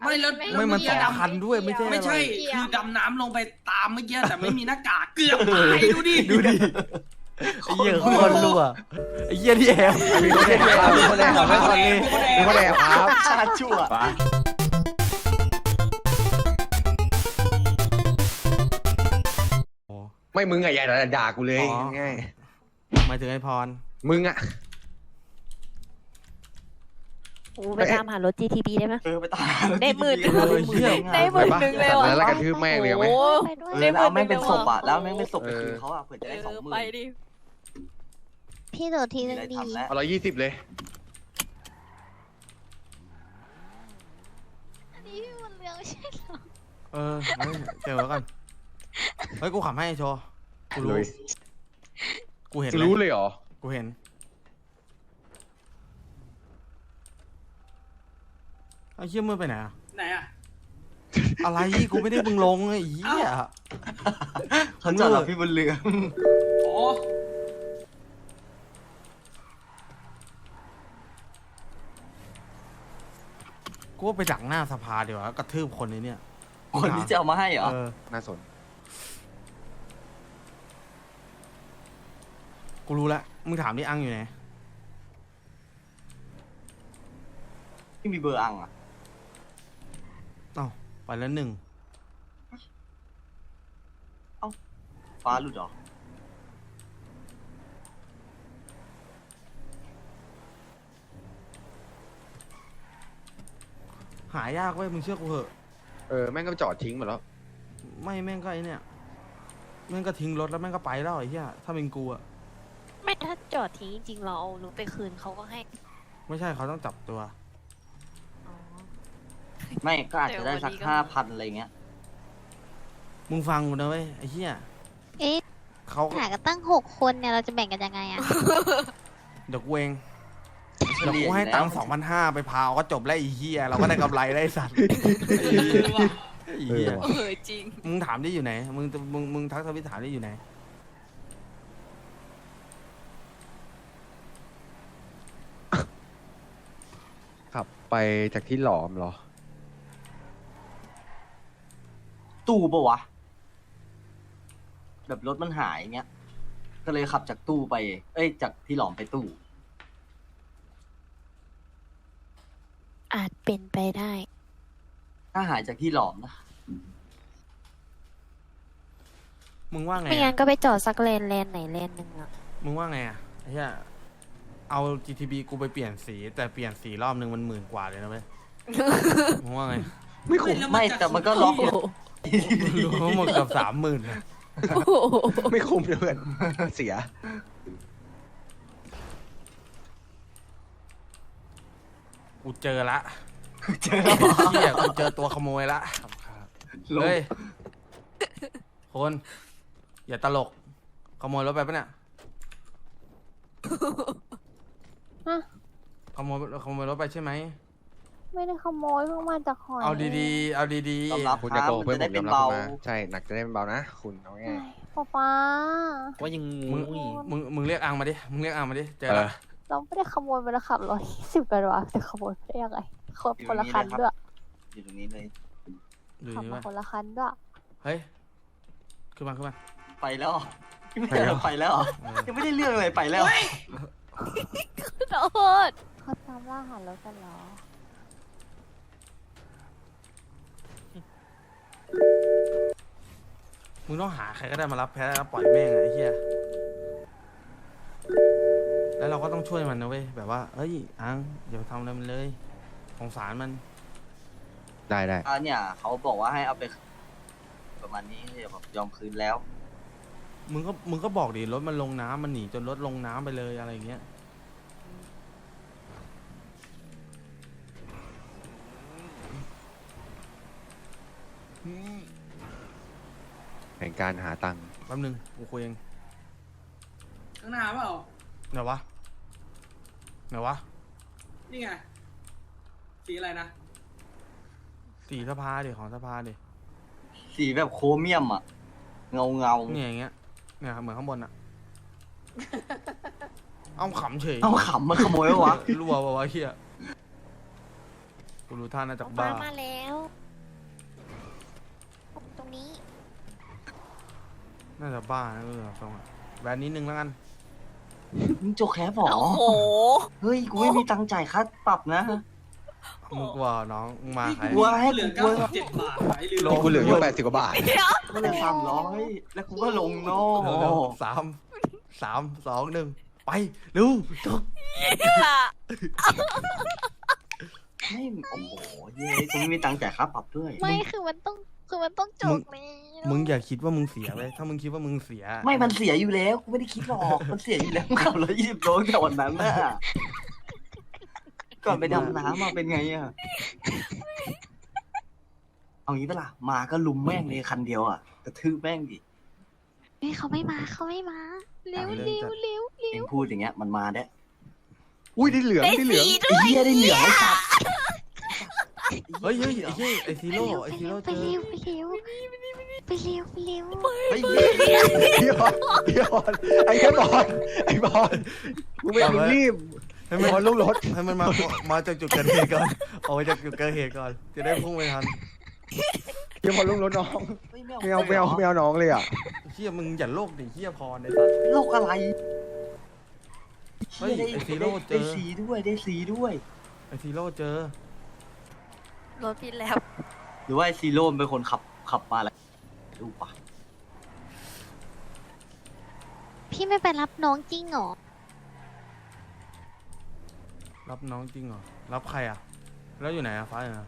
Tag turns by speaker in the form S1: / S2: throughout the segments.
S1: ไม่แล้ว
S2: ไม่มัน
S1: เอ
S2: สำคัญด้วยไม่ใช่
S1: ไม่ใช่
S2: อะไร
S1: คือดำน้ำลงไปตามเมื่อกี้แต่ไม่มีหน้ากากเกือบตายดูดิ
S2: ดูดิไอ้เหี้ยโคนรั่วไอ้เหี้ยที่แอบ
S3: มีคนแอบครับมีคนแอบครับ
S2: ไม่คนเลย
S3: มีคนแอบครับ
S4: ชาติชั่ว
S3: ไม่มึงอะอย่าด่ากูเลยง่าย
S2: หมายถึงไอ้พร
S3: มึงอะ
S5: ไปตามหารถ GTB ได้ไหม
S4: ไปตาย
S5: ได้หมื่น
S4: ได้
S5: หมื่นหนึ่งเลยว่ะ
S3: แล้วกระทืบแม่งเลยไหม
S5: ไปด้วย
S4: แล้วแม่งเป็นศพอ่ะแล้วแม่งเป็นศพไปคืนเขาอ่ะเผื่อจะได้20,000
S5: ไปดิ
S6: พี่โดดทีนึงดี
S4: ทำแล้ว
S3: เอา120เลย
S6: อันนี้พี่บุญเรืองไม่ใช่เหรอ
S2: เออไม่เจอแล้วกันเฮ้ยกูขับให้โชว์กูรู้
S3: เลย
S2: กูเห็น
S3: รู้เลยเหรอ
S2: กูเห็นไอ้เหี้ยมึงไปไหนอะ
S1: ไหนอ่ะ
S2: อะไรกูไม่ได้มึงลงไอ้เหี้ย
S4: เขาจอดรอพี่บนเรือ
S1: อ๋อ
S2: กูว่าไปดักหน้าสภาเดี๋ยวากระทืบคนนี้เนี่ย
S4: คนที่จะเอามาให้เหรอ
S2: เออ
S3: น่าสน
S2: กูรู้แล้วมึงถามดิอังอยู่ไหน
S4: ที่มีเบอร์อังอ่ะ
S2: เอ้าไปแล้วหนึ่ง
S4: ฟ้าหลุดเหรอ
S2: หายากเว้ยมึงเชื่อกูเหอะ
S3: แม่งก็จอดทิ้งหมดแล้ว
S2: ไม่แม่งก็ไอเนี่ยแม่งก็ทิ้งรถแล้วแม่งก็ไปแล้วไอ้เหี้ยถ้าเป็นกูอะ
S5: ไม่ถ้าจอดทิ้งจริงๆเราเอารถไปคืนเขาก็ให้
S2: ไม่ใช่เขาต้องจับตัว
S5: อ๋อ
S4: ไม่ก็อาจจะได้สัก
S5: เดี๋ยววันนี้ก็
S4: 5,000อะไรเงี้ย
S2: มึงฟังกูนะเว้ยไอ้เหี้ย
S6: เอ๊ะ
S2: เขา
S6: หากันตั้ง6 คนเนี่ยเราจะแบ่งกันยังไงอะ
S2: เดี๋ยวกูเองเดี๋ยวกูให้ตังค์2,500ไปพาวก็จบแล้วไอ้เหี้ยเราก็ได้กำไรได้ไอ้สัตว์ไอ้เหี้ย
S5: จริง
S2: มึงถามได้อยู่ไหนมึงทักทวิตถามได้อยู่ไหน
S3: ขับไปจากที่หลอมเหรอ
S4: ตู้ปะวะ แบบรถมันหายเงี้ย ก็เลยขับจากตู้ไป เอ้ย จากที่หลอมไปตู้
S5: อาจเป็นไปได้
S4: ถ้าหายจากที่หลอมนะ
S2: มึงว่าไง
S5: ไม่งั้
S2: อะ
S5: นก็ไปจอดสักเลนไหนเลนหนึ่งอะ
S2: มึงว่าไงอะไอ้เหี้ยเอา GTB กูไปเปลี่ยนสีแต่เปลี่ยนสีรอบนึงมัน10,000 กว่าเลยนะเว้ยมึงว่าไง
S3: ไม่คุ้ม
S4: ไม่แต่มันก็ล็อก
S2: รวมหมดเกับ30,000นะ
S3: ไม่คุ้มเลยเพื่อน เสีย
S2: กูเจอละ
S4: เจอแล้ว
S2: เหี้ยกูเจอตัวขโมยละเฮ้ยคนอย่าตลกขโมยรถไปปะเนี่ย
S6: ฮะ
S2: ขโมยรถไปใช่ไหม
S6: ไม่ได้ขโมยเพิ่งมาจากหอย
S2: เอาดีๆเอาดี
S4: ยอมรับ
S3: คุณ
S4: ค
S3: จะ
S4: รับ
S3: โกหก
S4: มัน
S3: เพื่อน
S4: จะ
S3: ผ
S4: ได้
S3: ม
S4: เป็
S3: ยอน มรับ
S4: เบา
S3: คุณนะใช่ หนักจะได้เป็นเบานะ คุณเอาง่าย
S6: ป๊า
S7: ว่ายัง
S2: ๆ
S7: งู
S2: มึงเรียกอังมาดิมึงเรียกอังมาดิเจอ
S3: เอ
S2: ละ
S3: อ
S6: เราไม่ได้ขโมยไปแล้วขับ120กันวะจะขโมยไปได้ยังไงคนละคันด้วย
S4: อยู่ตรงนี้เลย
S2: ดู
S6: ขับ
S2: นี่
S6: มา
S2: ว่า
S6: คนละคันด้วย
S2: เฮ้ยขึ้นมา
S4: ไปแล้วเหรอไม่ได้ไปแล้วเหรอ
S2: เออ
S4: ยังไม่ได้เรื่องเลยไปแล้ว
S5: ขอโทษ
S6: เขาตามล่าหารถกันเหรอ
S2: มึงต้องหาใครก็ได้มารับแพ้แล้วปล่อยแม่งอะไอ้เหี้ยแล้วเราก็ต้องช่วยมันนะเว้ยแบบว่าเฮ้ยอังอย่าไปทำอะไรมันเลยสงสารมัน
S3: ได้ได้
S4: เนี่ยเขาบอกว่าให้เอาไปประมาณนี้เดี๋ยวแบบยอมคืนแล้ว
S2: มึงก็บอกดิรถมันลงน้ำมันหนีจนรถลงน้ำไปเลยอะไรอย่างเงี้ย
S3: แผนการหาตังค์
S2: แป๊บนึงกูคุยเอง
S1: ข้างหน้าเปล่า
S2: ไหนวะไหนวะ
S1: นี่ไงสีอะไรนะ
S2: สีสภาดิของสภาดิ
S4: สีแบบโครเมียมอ่ะ เงา
S2: เนี่ยอย่างเงี้ยเนี่ยเหมือนข้างบนอะเอาขำเฉย
S4: เอาขำมาขโมยวะ
S2: รัววะเฮียกูรู้ท่าน่าจะบ้า
S5: มาแล้ว
S2: น่าจะบ้านะตรงอะแบนนิดนึงแล้วกัน
S4: มึงโจกแคบหรอ
S5: โอ้โห
S4: เฮ้ยกูไม่มีตังค์จ่ายค่าปรับนะ
S2: มึงกลัวน้องมึงมาใคร
S4: กลัวให้
S1: เหลือ
S4: กูกลัว
S1: 97 บาทไอ้ลืม
S2: โล
S3: กูเหลืออยู่80 กว่าบาท
S4: ก็เลย300แล้วกูก็ลงโน่
S2: เร็วๆสามสองหนึ่งไปเร็วจบ
S4: ไม่โอ้โหเย้กูไม่มีตังค์จ่ายค่าปรับด้วย
S6: ไม่คือมันต้องจบเลย
S2: มึงอย่าคิดว่ามึงเสียเลยถ้ามึงคิดว่ามึงเสีย
S4: ไม่มันเสียอยู่แล้วกูไม่ได้คิดหรอกมันเสียอยู่แล้วขับ120 โลแต่วันนั้นน่ะก่อนไปดำน้ำมาเป็นไงอะเอางี้ปะล่ะมาก็ลุมแม่งเลยคันเดียวอะกระทืบแม่งดิ
S6: เฮ้ยเขาไม่มาเร็วเร็วเร็ว
S4: เองพูดอย่างเงี้ยมันมาได้
S3: อุ้ยได้เหลืองได้เหลือง
S4: ไอ้เหี้ยได้เหลืองไอ้สัตว์
S2: เฮ้ยไอซีโร่
S6: ไป
S2: เจอ
S6: เร็ว
S4: เฮ้ย
S3: พี่บอลไอ้แค่บอลไอ้บอลมึงไม่มึงรีบ
S2: ให้มัน
S3: บอลลงรถ
S2: ให้มันมาจากจุดเกิดเหตุก่อนออกมาจากจุดเกิดเหตุก่อนจะได้พุ่งไปทัน
S3: พี่บอลลงรถน้องไม่เอาน้องเลยอ่ะ
S2: เฮียมึงอย่าโลกดิเฮียพรไอ้สัส
S4: โลกอะไร
S2: เฮ้ยไอซีโร่เจ
S4: ได้
S2: อ
S4: สีด้วยได้สีด้วย
S2: ไอซีโร่เจอ
S5: รถพี่แล้ว
S4: หรือว่าไอ้ซีโร่เป็นคนขับมาอะไรดูปะ
S6: พี่ไม่ไปรับน้องจริงเหรอ
S2: รับน้องจริงเหรอรับใครอ่ะแล้วอยู่ไหนอ่ะฟ้าอยู่ไหน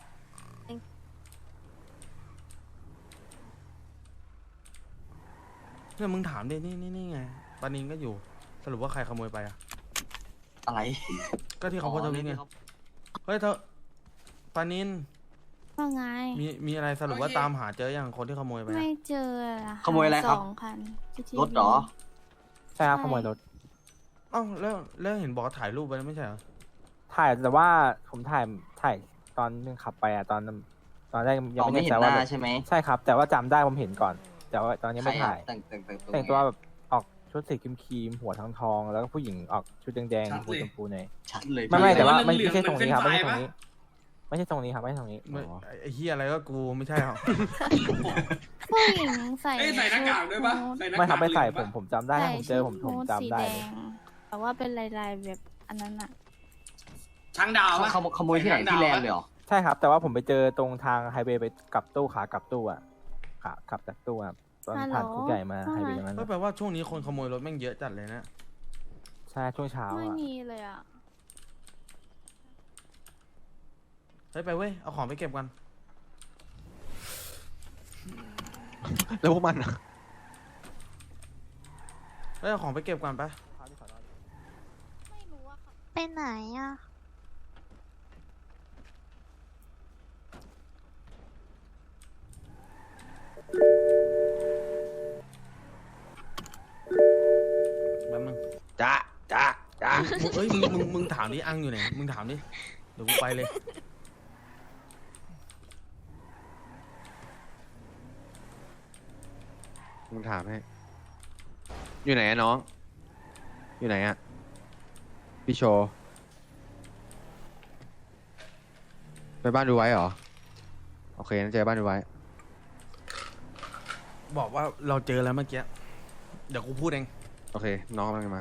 S2: เนี่ยมึงถามดินี่ไงปานินก็อยู่สรุปว่าใครขโมยไปอ่ะ
S4: อะไร
S2: ก็ที่เขาโพสต์ทวิตไงเฮ้ยเธอปานิน
S6: ว่าไง
S2: มีอะไรสรุปว่าตามหาเจออย่างคนที่ขโมยไปอะ
S6: ไม่เจอ
S4: ขโมยอะไรครับ
S6: 2 คัน
S4: รถเหรอ
S7: ใช่ครับขโมยรถ
S2: อ้าวแล้วเห็นบอกว่าถ่ายรูปไปแล้วไม่ใช่เหรอ
S7: ถ่ายแต่ว่าผมถ่ายตอนนึงขับไปอ่ะตอนแรกยัง
S4: เรา
S7: ไม่
S4: ไม่
S7: แน่
S4: เห็
S7: ใจ
S4: นห
S7: ว่า
S4: น้าใช่ไหม
S7: ใช่ครับ แต่ว่าจำได้ผมเห็นก่อน แต่ว่าตอนนี้ไม่ถ่าย
S4: แต่ง
S7: แต่งตัวแบบออกชุดสีครีมๆหัวทองๆแล้วก็ผู้หญิงออกชุดแดงๆหัวชมพูหน่อย
S4: ชัดเลย
S7: ไม่แต่ว่าไม่
S1: เหลืองๆ
S7: ใช่ตรงนี้ครับ
S1: เหมื
S7: ไม่
S1: อน
S7: ใช่
S1: เฟรนช์
S7: ตรงนี้ ไม่ใช่ตรงนี้ครับไม่ใช่ตรงนี้
S2: ไม่
S7: อ๋อ
S2: ไอ้เฮียอะไรก็กูไม่ใช่หรอ
S6: ผู้หญิงใส่
S1: เอ้ยใส่หน้ากากด้วยปะใส่หน้ากาก
S7: ไม่ครับไม่ใส่
S1: เหลืองปะ
S7: ผมจำได้ถ้าผมเจอผม
S6: ชุด
S7: จำ
S6: สี
S7: ได้
S6: แด
S7: เลย
S6: งแต่ว่าเป็นลายๆแบบอันนั้นอะ
S1: ช้างดาวปะ
S4: ขโมยที่ไหนที่แลนด์เลยเหรอ
S7: ใช่ครับ แต่ว่าผมไปเจอตรงทางไฮเวย์ไปกลับตู้ขากลับตู้อ่ะขาขับจากตู้อ่ะตอนผ่านคุกใหญ่มาไฮเวย์ตรงนั้น
S2: ก็แปลว่าช่วงนี้คนขโมยรถแม่งเยอะจัดเลยนะ
S7: ใช่ช่วงเช้า
S6: ไม่
S7: อ่ะ
S6: มีเลยอะ
S2: เฮ้ยไปเว้ยเอาของไปเก็บกัน
S3: แล้วพวกมันอะ
S2: เฮ้ยเอาของไปเก็บกันไป
S6: ไม่รู้อะค่ะ
S5: ไปไหนอ่ะ
S2: แป๊บนึง
S3: จ้า
S2: เฮ้ยมึงถามดิอังอยู่ไหนมึงถามดิเดี๋ยวกูไปเลย
S3: มึงถามให้อยู่ไหนอะน้อง อยู่ไหนอะพี่โชว์ไปบ้านดูไว้เหรอโอเคงั้นเจอบ้านดูไว้
S2: บอกว่าเราเจอแล้วเมื่อกี้เดี๋ยวกูพูดเอง
S3: โอเคน้องกำลังจะมา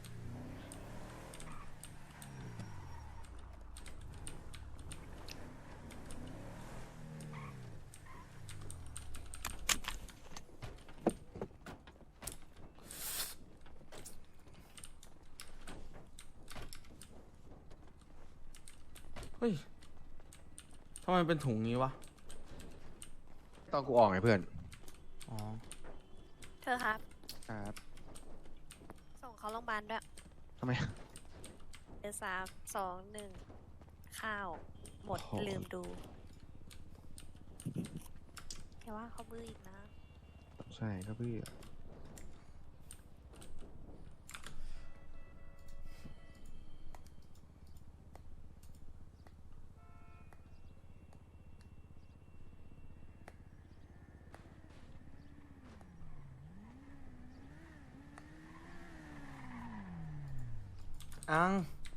S2: เฮ้ยทำไมเป็นถุงงี้วะ
S3: ตอนกูออกไงเพื่อน
S2: อ๋อ
S5: เธอครับ
S3: ครับ
S5: ส่งเขาโรงพยาบาลด้วย
S3: ทำไม
S5: เดี๋ยว3 2 1 ข้าว หมด
S3: โอ้โห
S5: ลืมดูแต่ว่าเขาบื้ออีกนะ
S3: ใช่ก็พี่
S2: อัง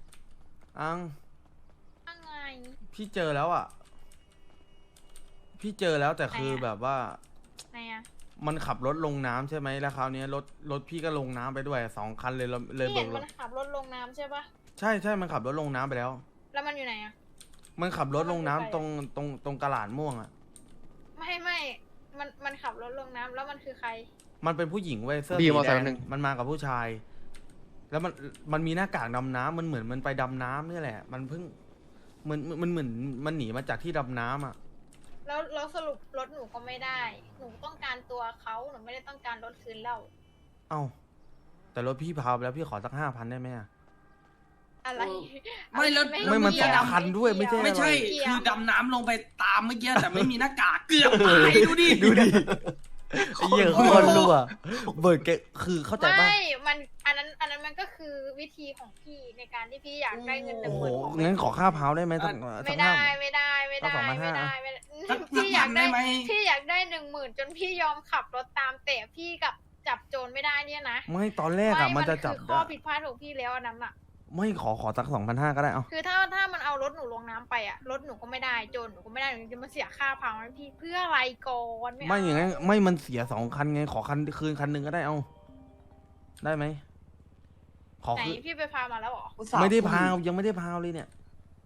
S6: อะไร
S2: พี่เจอแล้วอ่ะ พี่เจอแล้วแต่คือแบบว่า
S6: ไหนอะ
S2: มันขับรถลงน้ำใช่ไหมแล้วคราวนี้รถพี่ก็ลงน้ำไปด้วย2 คันเลยเลย
S8: พี่
S2: เบิ
S8: เห็
S2: ก
S8: น
S2: ร
S8: มั
S2: ถ
S8: นขับรถลงน้ำใช่ปะ
S2: ใช่มันขับรถลงน้ำไปแล้ว
S8: แล้วมันอยู่ไหนอะ
S2: มันขับรถลงน้ำตรงกระหลาดม่วงอ่ะ
S8: ไม่มันขับรถลงน้ำแล้วมันคือใคร
S2: มันเป็นผู้หญิงเว้ยเสื้อ
S3: พี่
S2: สี
S3: มอ
S2: แด
S3: ไซค์
S2: ง
S3: แป๊บนึง
S2: มันมากับผู้ชาย แล้วมันมีหน้ากากดำน้ำมันเหมือนมันไปดำน้ำนี่แหละ มันเพิ่งมันเหมือนมันหนีมาจากที่ดำน้ำอ่ะ
S8: แล้วสรุปรถหนูก็ไม่ได้ หนูต้องการตัวเขาหนูไม่ได้ต้องการรถคืนแล้ว
S2: เอ้าแต่รถพี่พาไปแล้วพี่ขอสัก5,000ได้ไหมอะ
S8: อะไร
S1: ไม่แล้ว
S2: ไม่มัน
S8: เกี่ยว
S2: 2 คันด้วยไม่ใช่
S1: ไม่ใช่
S8: เกี่ยว
S1: คือดำน้ำลงไปตามเมื่อกี้แต่ไม่มีหน้ากากเกือบตายดูดิ
S2: ไอ้เหี้ยคนรั่วเบิร์ดแกคือเข้าใจป่ะ
S8: ไม่มันอันนั้นมันก็คือวิธีของพี่ในการที่พี่อยากได้เงิน
S2: โอ้โห
S8: 10,000ของ
S2: งั้นขอค่าเผาได้ไหมสัก
S8: ไม่ได้
S2: 5,000
S8: ไม่ได้ไม่ได้
S2: เอา2,500
S8: ไม่ได้ไม่ได้
S1: สัก
S8: พี่อยาก
S1: ได้
S8: ได้
S1: ไหม
S8: พี่อยากได้10,000จนพี่ยอมขับรถตามแต่พี่กับจับโจรไม่ได้เนี่ยนะ
S2: ไม่ตอนแรกอะมันจะจับ
S8: คือข้อผิดพลาดของพี่แล้วอันนั้นอะ
S2: ไม่ขอสัก2,500ก็ได้เอา
S8: คือถ้ามันเอารถหนูลงน้ำไปอะรถหนูก็ไม่ได้โจรหนูก็ไม่ได้หนูจะมาเสียค่าพังให้พี่เพื่ออะไรก่อนไม่
S2: ไม่อย่างงั้น
S8: เ
S2: ไม่มันเสีย2 คันไงขอคืนคันหนึ่งก็ได้เอาได้ไหมขอ
S8: ไหน
S2: คืน
S8: พี่ไปพามาแล้วเหรอ
S4: อุตส่าห์
S2: ไม่ได้
S4: พู
S2: พาวยังไม่ได้พาวเลยเนี่ย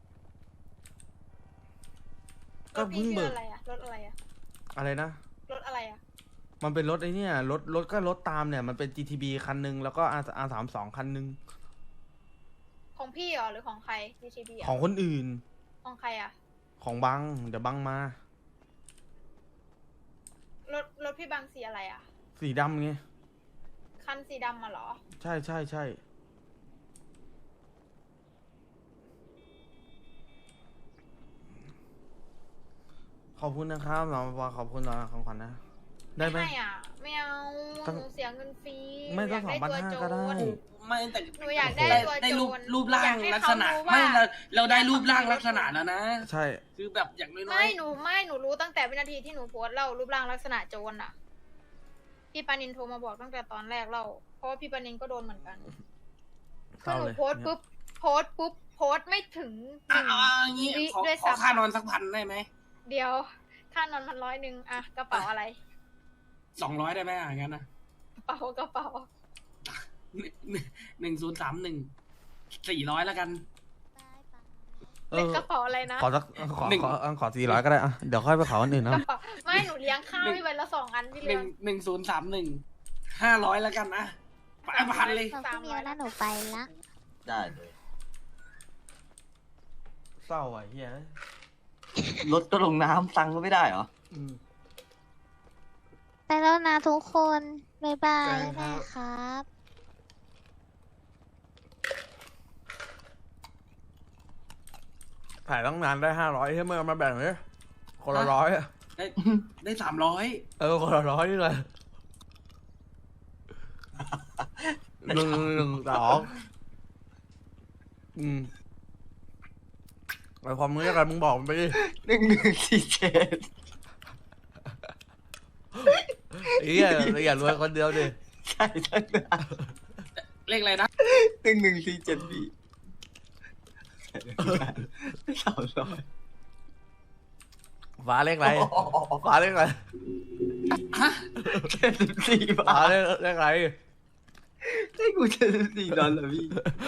S8: ร
S2: ก็
S8: ถพี่
S2: เพิ่ง
S8: ชื่
S2: เบิ
S8: อก อะไรอะรถอะไรอะ
S2: อะไรนะ
S8: รถอะไรอะ
S2: มันเป็นรถไอ้เนี่ยรถก็รถตามเนี่ยมันเป็น GTB คันหนึ่งแล้วก็ R32 คันหนึ่ง
S8: ของพี่เหรอหรือของใคร GTB อะ
S2: ของคนอื่น
S8: ของใครอะ
S2: ของบังเดี๋ยวบังมาร
S8: ถพี่บางสีอะไรอะ
S2: สีดำไง
S8: คันสีดำมาเหรอ
S2: ใช่ขอบคุณนะครับเราขอบคุณเราของขวัญนะได้ไหม
S8: ไม่อะไม่เอา
S2: ต้อง
S8: หนูเสียเงินฟรี
S2: ไม่ต้อง
S8: หนูยากได้ตัว
S2: 2,500ก็ได้
S8: โจร
S1: ไม่แต่
S8: หนูอยากได้ตัว
S1: ได้
S8: โจ
S1: รูป
S8: ร
S1: ร่าง
S8: อยากให้
S1: ลัก
S8: เขา
S1: ษณะ
S8: รู้
S1: ไม่
S8: ว่า
S1: เราได้รูปร่างลักษณะแล้วนะ
S2: ใช่
S1: คือแบบอย่างน้อย
S8: ไม่หนูรู้ตั้งแต่วินาทีที่หนูโพสต์เล่ารูปร่างลักษณะโจรอะพี่ปานินโทรมาบอกตั้งแต่ตอนแรกเล่าเพราะว่าพี่ปานินก็โดนเหมือนกัน
S2: เศ
S8: คือ
S2: ร้า
S8: หนู
S2: เลย
S8: โพสต์ปุ๊บโพสต์ไม่ถึงห
S1: อ่ะ
S8: นึ่ง
S1: เอาอย่างงี้
S8: วิ
S1: ขอ
S8: ด้วย
S1: ขอ
S8: ซ้ำ
S1: ค่านอนสัก1,000ได้ไหม
S8: เดี๋ยวค่านอนมัน100อะกระเป๋าอะไร
S1: 200ได้ไหมอย่างนั้นนะ
S8: กระเป๋า
S1: 1031 400แล้วกัน
S2: เอ
S8: เล็ก
S2: อก
S8: ระเป๋าอะไรนะ
S2: ขอสัก
S1: หนึ่ง
S2: ขอ400ก็ได้อะเดี๋ยวค่อยไปขออันอื่น
S8: ก
S2: นะ
S8: ระเป๋าไม่หนูเลี้ยงข้าวให้ไว้ละ2 อันพี่เลี้ยง
S1: 1031 500แล้วกันนะไปพันเลย
S6: ขอบคุณเดียวนะหนูไปละ
S4: ได้เลย
S2: เศร้าอ่ะเฮีย
S4: รถก็ลงน้ำตังค์ก็ไม่ได้เหรอ
S2: อืม
S6: ไปแล้วนะทุกคน บ๊ายบาย
S2: เจอกันครับ
S6: แม่ครับ
S2: ถ่ายต้องนานได้500ใช่ไหมเอามาแบ่งเลยคนละ
S1: ฮะ
S2: 100อะ
S1: ได้300
S2: เออคนละ100นี่เลยหนึ่งสองไอความมึงเรียกอะไรมึงบอกมันไปดิ
S4: 1147
S2: ไอ้เหี้ยอย่ารวยคนเดียวดิ
S4: ใช่ตั้งนาน
S1: เลขอะไรนะ
S4: 1147พี่300
S2: ฟ้าเลขอะไรฟ้าเลขอะไร
S1: ฮะ
S4: 74 บา
S2: ฟ้า
S4: ท
S2: เลขอะไร
S4: ให้กู74 ดอลลาร์พี่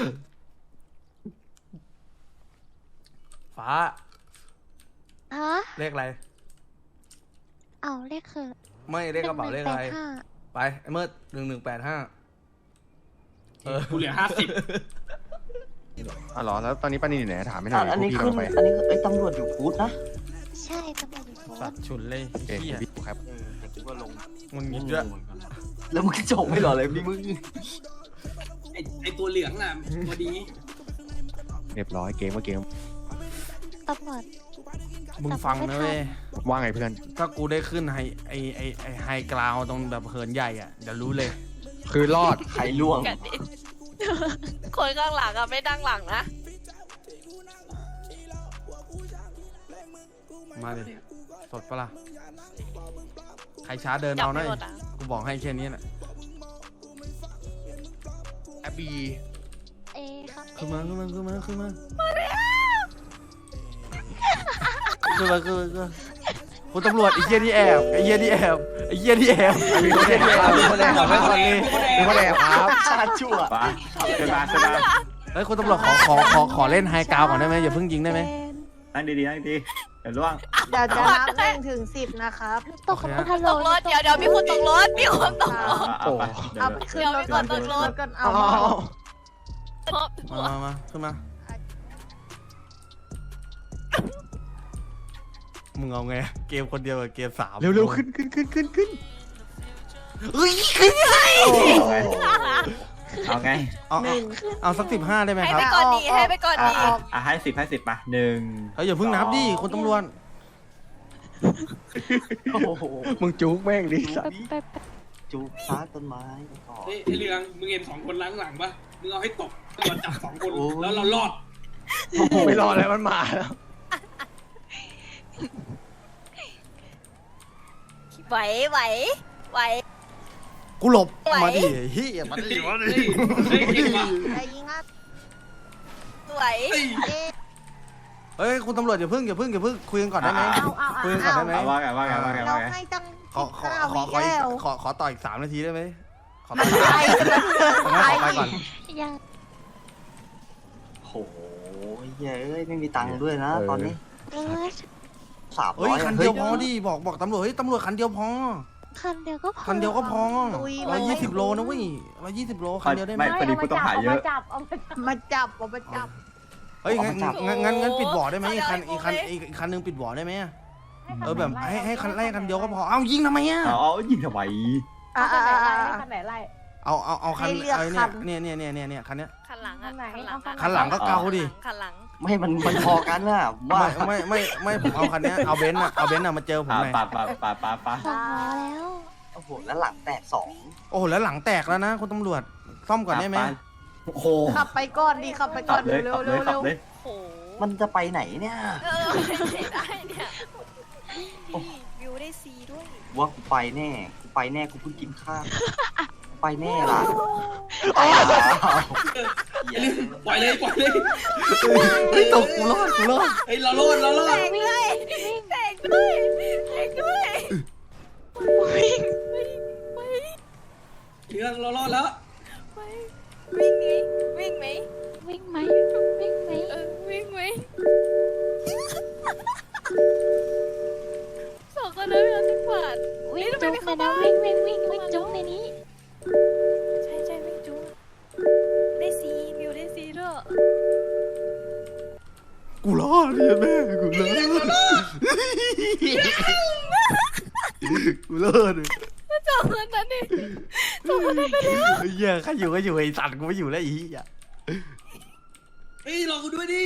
S2: ฟ้า
S6: ฮะ
S2: เลขอะไร
S6: เอาเลขคือ
S2: ไม่เลขกระเป๋าเลขอะไร
S6: 1185
S2: ไปไอ้เมื่อ1185
S1: กูเหลือ50
S3: อ๋อเหรอแล้วตอนนี้ป้านินอยู่ไหนถามไม่หน่อย
S4: อันนี้
S3: พวก
S4: ขึ้
S3: พี่
S4: น
S3: กำลังไป
S4: อันนี้ไอ้ตำรวจอยู่ฟูดนะ
S6: ใช่ตำรวจอยู่โพส
S2: สัต
S6: ต์
S2: ว์ฉุนเลย
S3: โอเค
S2: ไอ้เหี้ย
S3: พี่ครับ
S4: แต่กูก็ลง
S2: มึงหยิบด้วย
S4: แล้วมึงจบไม่หรอเลยพี่มึง
S1: ไอตัวเหลืองอ่ะพอดี
S3: เรียบร้อยเกมก็เกม
S6: ตำรวจ
S2: มึงฟังนะเว้ย
S3: ว่าไงเพื่อน
S2: ถ้ากูได้ขึ้นไฮกราวตรงแบบเหินใหญ่อ่ะเดี๋ยวรู้เลย
S3: คือรอด
S4: ใครล่วง
S5: กันดิ คนข้างหลังอะไม่ดังหลังนะ
S2: มาดิสดปะล่ะใครช้าเดิน
S5: จับ
S2: เอาห
S5: ไม่
S2: น่อย
S5: หมดอะ
S2: กูบอกให้แค่นี้แหละ
S3: แอบบี
S6: เอครับ
S2: ขึ้นมาขึ้นมาขึ้นมาขึ้นมาคุณตำรวจไอ้เหี้ยที่แอบไอ้เหี้ยที่แอบไอ้เหี้ยที่แอบมีคนแอบมีคนแอบไว้ก่อนเลยมีคนแอบครับ
S4: ชาติชั่ว
S7: ไปเชิญมาเชิญมา
S2: เฮ้ยคุณตำรวจขอเล่นไฮกราวก่อนได้ไหมอย่าเพิ่งยิงได้ไหม
S7: นั่งดีๆนั่งดีเดี๋ยวล่วง
S9: เดี๋ยวจะนับ1 ถึง 10นะครับ
S6: ตกฮัลโหล
S5: ตกรถเดี๋ยวมีคนตกรถมีคนตกรถ
S7: เอาไปเดี๋ยว
S9: เอาไปขึ้นรถก่อน
S5: เดี๋ยวมีคนตกรถ
S9: ก่อน
S7: เอา
S2: มาขึ้นมามึงเอาไงเกมคนเดียวกับเกม3
S7: เร็วๆขึ้น
S2: เฮ้ยขึ้นไง
S7: เอาไง
S2: เอาสัก15ได้ไหม
S5: ให้
S2: ครับ
S5: ไปก่อนดีให้ไปก่อนดี
S7: ให้10มา1
S2: เฮ้ยอย่าเพิ่งนับดิคุณตำรวจ
S4: โอ้โห
S7: มึงจุกแม่งดิสัตว์
S6: ไป
S4: จูบซาต้นไม้ก่อน
S1: เฮ้ยไอ้เรืองมึงเห็น2 คนล้างหลังปะมึงเอาให้ตกตำรวจจับ2 คนแล้วเรารอด
S7: ไม่รอแล้วมันมาแล้ว
S5: ไหว
S2: กูหลบ
S5: ไหว
S2: มาดิเฮียมาดิ
S1: เฮ้ยเก่งว่ะ
S9: ใจยิงอ่ะ
S5: ไหว
S1: เฮ้ย
S2: เฮ้ยคุณตำรวจอย่าเพิ่งคุยกันก่อนได้ไหมคุยกันก่อนได้ไหม
S7: ว่าไง
S9: เราให้ตั้ง
S2: ขอต่ออีก3 นาทีได้ไหมขอต่อไปก่อน
S6: ยัง
S4: โอ้โหเย้ยไม่มีตังค์ด้วยนะตอนนี้
S6: เออ
S4: 300
S2: เฮ้ยคันเดียวพอดิบอกตำรวจเฮ้ยตำรวจคันเดียวพอ
S6: คันเดียวก็พอ
S2: คันเดียวก็พอ120 โลนะเว้ย120 โลคันเดียวได้ไหม
S7: พอดีผู้ต้องหาเยอะ
S9: มาจับเอามาจับ
S2: เฮ้ยงั้นปิดบ่อได้ไหมอีกคันนึงปิดบ่อได้ไหมแบบให้คันแรกคันเดียวก็พอเอ้ายิงทำไมอ่ะ
S7: เอายิงทำไม
S9: คันไหนไล่
S2: เอาคัน
S9: ให้เลือก
S2: ไอ้
S9: คัน
S2: เนี่ยคันเนี้ย
S5: คันหลังอะ
S2: คันหลังก็เกาดิ
S5: คันหลัง
S4: ไม่มันพอกันน่ะว่า
S2: ไม่ผมเอาคันเนี้ยเอาเบนซ์อะมาเจอผมหน่อย
S7: ปะ
S6: สองแล้ว
S4: โอ้โหแล้วหลังแตก
S2: โอ้โหแล้วหลังแตกแล้วนะคุณตำรวจซ่อมก่อนได้ไหม
S7: โอ้โห
S9: ขับไปก่อนดีขับไปก่
S7: ขั
S9: อน
S7: บเลย
S9: เร็
S7: ขั
S9: ว
S7: บเลยขับเลย
S5: โอ้โห
S4: 2มันจะไปไหนเนี่ย
S5: เสียได้เนี่ยวิวได้ซีด้วย
S4: ว่ากูไปแน่กูเพิ่งกินข้าวไปแน่ล่ะ
S1: ไอ้เรื่องปล่อยเลย
S2: เฮ้ยตกกูรอด
S1: เฮ้ยเรารอด
S5: แตกด้วยวิ่ง
S1: เรื่องเรารอดแล้ว
S5: วิ่งไหม
S6: วิ่งไหม
S5: วิ่งไหม2 คนนั้นเป็น10 บาท
S6: วิ่งจุ๊บเลยนะวิ่งจุ๊บในนี้
S5: ใช่วิ่งจุ๊บได้ซีวิวได้ซีด้วย
S2: กูรอดเนี่ยแม่กูรอด
S5: 2 คนนั้นนี่2 คนนั้นไปแล้ว
S2: เฮียใครอยู่ก็อยู่ไอ้สัตว์กูไม่อยู่แล้วไอ้เหี้ย
S1: เฮ้ยรอกูด้วยดิ